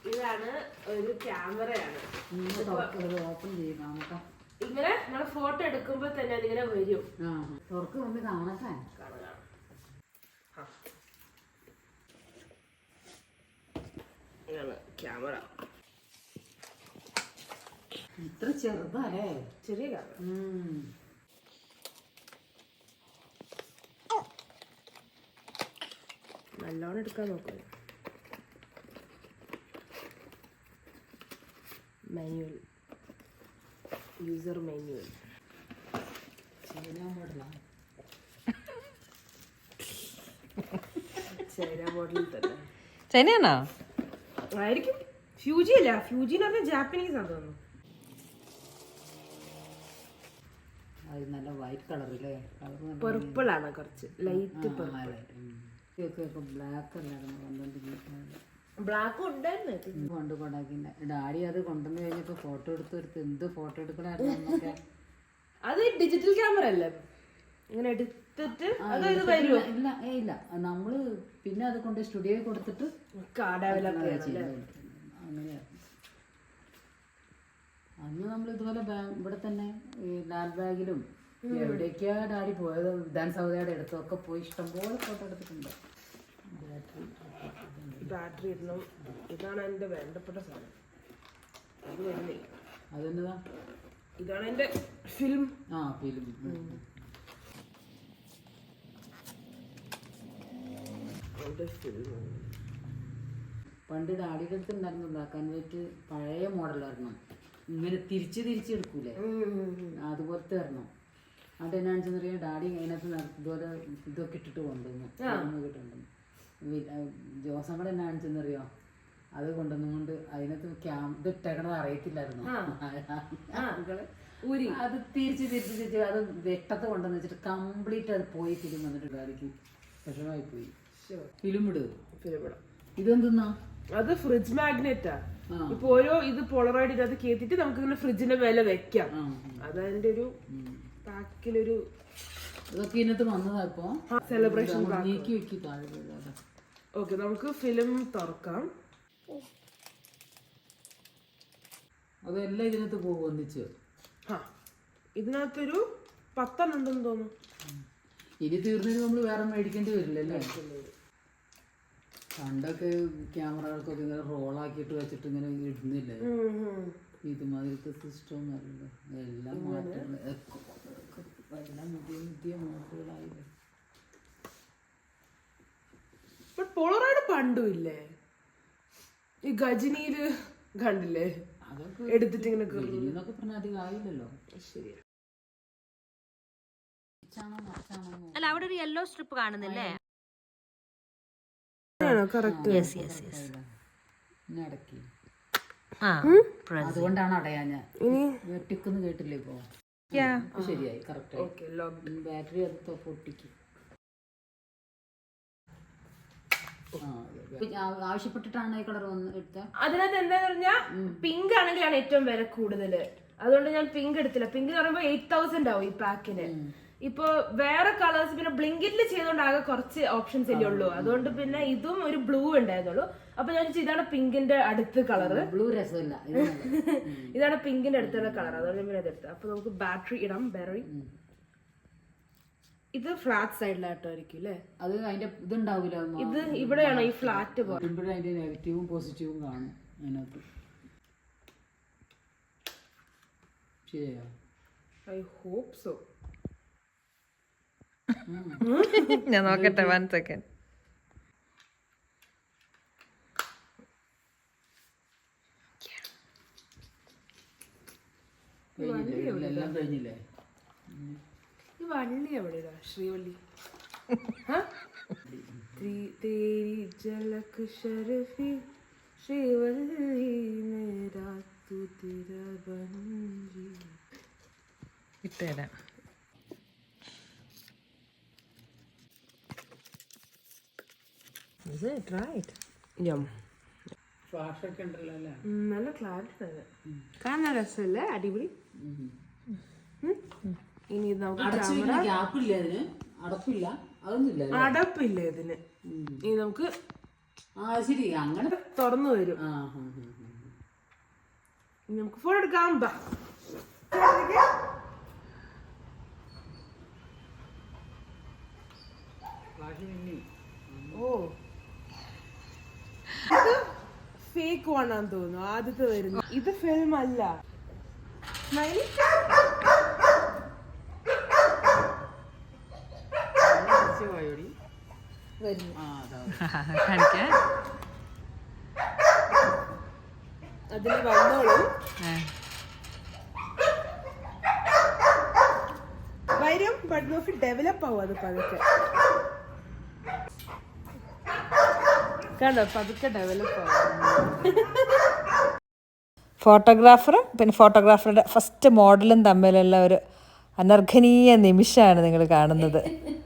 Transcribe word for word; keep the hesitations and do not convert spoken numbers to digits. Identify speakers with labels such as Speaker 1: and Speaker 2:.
Speaker 1: ഇതാണ് ഒരു ക്യാമറയാണ്.
Speaker 2: ഓപ്പൺ ചെയ്യാം നോക്കാം.
Speaker 1: ഇങ്ങനെ നമ്മള് ഫോട്ടോ എടുക്കുമ്പോ തന്നെ അതിങ്ങനെ വരും.
Speaker 2: തുറക്ക് വന്ന് കാണാൻ
Speaker 1: ക്യാമറ
Speaker 2: ഇത്ര ചെറുതല്ലേ?
Speaker 1: ചെറിയ ക്യാമറ. നല്ലോണം എടുക്കാൻ നോക്കുക. Manual user manual. ചൈന മോഡലാണ്. ചൈന മോഡലിൽ തന്നെ.
Speaker 3: ചൈനയാണോ?
Speaker 1: ആയിരിക്കും. ഫ്യൂജി അല്ല, ഫ്യൂജി എന്ന് പറഞ്ഞാൽ ജാപ്പനീസ് ആണ് തോന്നുന്നു.
Speaker 2: നല്ല വൈറ്റ് കളറില്ലേ?
Speaker 1: പർപ്പിൾ ആണ്, കുറച്ച് ലൈറ്റ് പർപ്പിൾ.
Speaker 2: ബ്ലാക്ക് അല്ലായിരുന്നു.
Speaker 1: ബ്ലാക്ക് ഉണ്ടായിരുന്നു
Speaker 2: കൊണ്ട് കൊണ്ടാക്കിന്റെ ഡാഡി അത് കൊണ്ടുവന്ന് കഴിഞ്ഞപ്പോ ഫോട്ടോ എടുത്തെടുത്ത് എന്ത് ഫോട്ടോ എടുക്കണായിരുന്നു.
Speaker 1: അത് ഡിജിറ്റൽ ക്യാമറ അല്ലേ? ഇങ്ങനെ എടുത്തിട്ട്
Speaker 2: ഇല്ല ഇല്ല നമ്മള് പിന്നെ അത് കൊണ്ട് സ്റ്റുഡിയോയിൽ കൊടുത്തിട്ട് അങ്ങനെയായിരുന്നു. അന്ന് നമ്മൾ ഇതുപോലെ ഇവിടെ തന്നെ ഈ ലാൽ ബാഗിലും എവിടേക്കാ ഡാഡി പോയത്, വിധാൻസൗദയുടെ അടുത്തൊക്കെ പോയി ഇഷ്ടംപോലെ ഫോട്ടോ എടുത്തിട്ടുണ്ട്.
Speaker 1: ബാറ്ററി ഇടണം. ഇതാണ് എന്റെ വേണ്ടപ്പെട്ട സാധനം. അത് വരുന്നില്ല.
Speaker 2: അതെന്നതാ?
Speaker 1: ഇതാണ് എന്റെ ഫിലിം.
Speaker 2: ആ ഫിലിം. പണ്ട് ഡാഡിയുടെ അടുത്ത് ഉണ്ടായിരുന്നു ബ്ലാക്ക് ആൻഡ് വൈറ്റ് പഴയ മോഡലായിരുന്നു. ഇങ്ങനെ തിരിച്ച് തിരിച്ചെടുക്കൂലേ, അതുപോലത്തെ വരണം. അത് എന്നാണെന്ന് വെച്ചാൽ ഡാഡി അതിനകത്ത് ഇതുപോലെ ഇതൊക്കെ ഇട്ടിട്ട് കൊണ്ടുവന്നു കിട്ടുന്നുണ്ട്. ജോസങ്ങളുടെ എന്നാണെന്ന് ചെന്നറിയോ, അത് കൊണ്ടുവന്നുകൊണ്ട് അതിനകത്ത് ക്യാം ഇത് ഇട്ടേക്കണത് അറിയത്തില്ലായിരുന്നു. അത് തിരിച്ച് തിരിച്ച് തിരിച്ച് അത് വെട്ടത്ത് കൊണ്ടുവന്ന് വെച്ചിട്ട് കംപ്ലീറ്റ് അത് പോയി ഫിലിം വന്നിട്ട് ഡാഡിക്ക് വിഷമമായി പോയി. ഫിലിം ഇട്
Speaker 1: ഫിലിം ഇടാം.
Speaker 2: ഇതെന്തെന്നാ?
Speaker 1: അത് ഫ്രിഡ്ജ് മാഗ്നറ്റാ. ഇപ്പൊ ഓരോ ഇത് പോളറോയിഡ് ഇതിനകത്ത് കേട്ടിട്ട് നമുക്ക് ഇങ്ങനെ ഫ്രിഡ്ജിന്റെ മേലെ വെക്കാം. അതതിന്റെ ഒരു പാക്കിലൊരു
Speaker 2: ഇതൊക്കെ ഇതിനകത്ത് വന്നതാ. ഇപ്പൊ
Speaker 1: സെലിബ്രേഷൻ
Speaker 2: നീക്കി വെക്കി താഴെ.
Speaker 1: ഓക്കെ, നമുക്ക് ഫിലിം തുറക്കാം.
Speaker 2: അതെല്ലാം ഇതിനകത്ത് പോകും ഒന്നിച്ച്.
Speaker 1: ആ ഇതിനകത്തൊരു പത്തെണ്ണം ഉണ്ടെന്ന് തോന്നുന്നു.
Speaker 2: ഇനി തീർന്നതിന് നമ്മൾ വേറെ മേടിക്കേണ്ടി വരില്ലല്ലേ? പണ്ടൊക്കെ ക്യാമറകൾക്കൊക്കെ ഇങ്ങനെ റോളാക്കിയിട്ട് വെച്ചിട്ട് ഇങ്ങനെ ഇടുന്നില്ലേ? ഇതുമാതിരത്തെ സിസ്റ്റം ഒന്നും എല്ലാം മാറ്റങ്ങൾ, എല്ലാം പുതിയ പുതിയ മോഡലുകളായില്ലേ.
Speaker 1: പോളറോയിഡ് പണ്ടും ഇല്ലേ? ഈ ഗജനിയില് കണ്ടില്ലേ?
Speaker 2: അതൊക്കെ
Speaker 1: എടുത്തിട്ട് ഇങ്ങനെ
Speaker 2: എന്നൊക്കെ പറഞ്ഞാൽ അധികം ആയില്ലല്ലോ.
Speaker 1: ശരിയാ.
Speaker 3: അല്ല, അവിടെ ഒരു യെല്ലോ സ്ട്രിപ്പ് കാണുന്നില്ലേ?
Speaker 2: അതുകൊണ്ടാണ് അടയാൻ ഞാൻ വെട്ടിക്കുന്നു കേട്ടില്ലേ? ഇപ്പൊ ശരിയായി, കറക്റ്റ്. ബാറ്ററി അത് പൊട്ടിക്കും. ആവശ്യപ്പെട്ടിട്ടാണ് ഈ കളർ വന്ന് എടുത്ത.
Speaker 1: അതിനകത്ത് എന്താന്ന് പറഞ്ഞാൽ പിങ്ക് ആണെങ്കിലാണ് ഏറ്റവും വില കൂടുതല്. അതുകൊണ്ട് ഞാൻ പിങ്ക് എടുത്തില്ല. പിങ്ക് എന്ന് പറയുമ്പോ എയ്റ്റ് തൗസൻഡ് ആവും ഈ പാക്കിന്. ഇപ്പൊ വേറെ കളേഴ്സ് പിന്നെ ബ്ലിങ്കിറ്റിൽ ചെയ്തോണ്ട് ആകെ കുറച്ച് ഓപ്ഷൻസ് അല്ലേ ഉള്ളൂ. അതുകൊണ്ട് പിന്നെ ഇതും ഒരു ബ്ലൂ ഉണ്ടായിരുന്നുള്ളൂ. അപ്പൊ ഞാൻ ഇതാണ് പിങ്കിന്റെ അടുത്ത കളറ്.
Speaker 2: ബ്ലൂ രസമില്ല,
Speaker 1: ഇതാണ് പിങ്കിന്റെ അടുത്തുള്ള കളർ. അതുകൊണ്ട് പിന്നെ അതെടുത്ത്. അപ്പൊ നമുക്ക് ബാറ്ററി ഇടാം. ബാറ്ററി ഇത് ഫ്ലാറ്റ് സൈഡിലായിട്ടായിരിക്കും അല്ലേ?
Speaker 2: അത് അതിന്റെ ഇതുണ്ടാവില്ല.
Speaker 1: ഇത് ഇവിടെയാണോ ഈ ഫ്ലാറ്റ് പോലെ?
Speaker 2: അതിന്റെ നെഗറ്റീവും പോസിറ്റീവും കാണും അതിനകത്ത്. ശരിയാ?
Speaker 1: I hope so.
Speaker 3: ഞാൻ നോക്കട്ടെ, വൺ സെക്കൻഡ്.
Speaker 2: എല്ലാം കഴിഞ്ഞില്ലേ?
Speaker 1: ഈ വള്ളി എവിടെയാ? ശ്രീവള്ളി.
Speaker 3: ഇട്ടുതരാം.
Speaker 1: നല്ല ക്ലാരിറ്റി തന്നെ കാണാൻ രസമല്ലേ? അടിപൊളി. ഇനി
Speaker 2: അടപ്പില്ല ഇതിന്.
Speaker 1: അടപ്പില്ല ഇതിന്. ഇനി നമുക്ക്
Speaker 2: ആ ശരി അങ്ങനെ
Speaker 1: തുറന്നു വരും.
Speaker 2: ആ ഹും, ഹും, ഹും.
Speaker 1: ഇനി നമുക്ക് ഫോൺ എടുക്കാം. ബാ. ഓ ഇത് ഫേക്ക് ആണെന്ന് തോന്നുന്നു. ആദ്യത്തെ വരുന്നു. ഇത് ഫിലിം അല്ല. സ്മൈലി വരുന്നു.
Speaker 2: ആ അതാ
Speaker 3: കാണിക്കാൻ
Speaker 1: അതിന് വന്നോളൂ. വരും. ബട്ട് നോക്കി ഡെവലപ്പ് ആവും. അത് പതുക്കെ കണ്ടോ, പതുക്കെ ഡെവലപ്പ് ആവും.
Speaker 3: ഫോട്ടോഗ്രാഫറും പിന്നെ ഫോട്ടോഗ്രാഫറുടെ ഫസ്റ്റ് മോഡലും തമ്മിലുള്ള ഒരു അനർഘനീയ നിമിഷമാണ് നിങ്ങൾ കാണുന്നത്.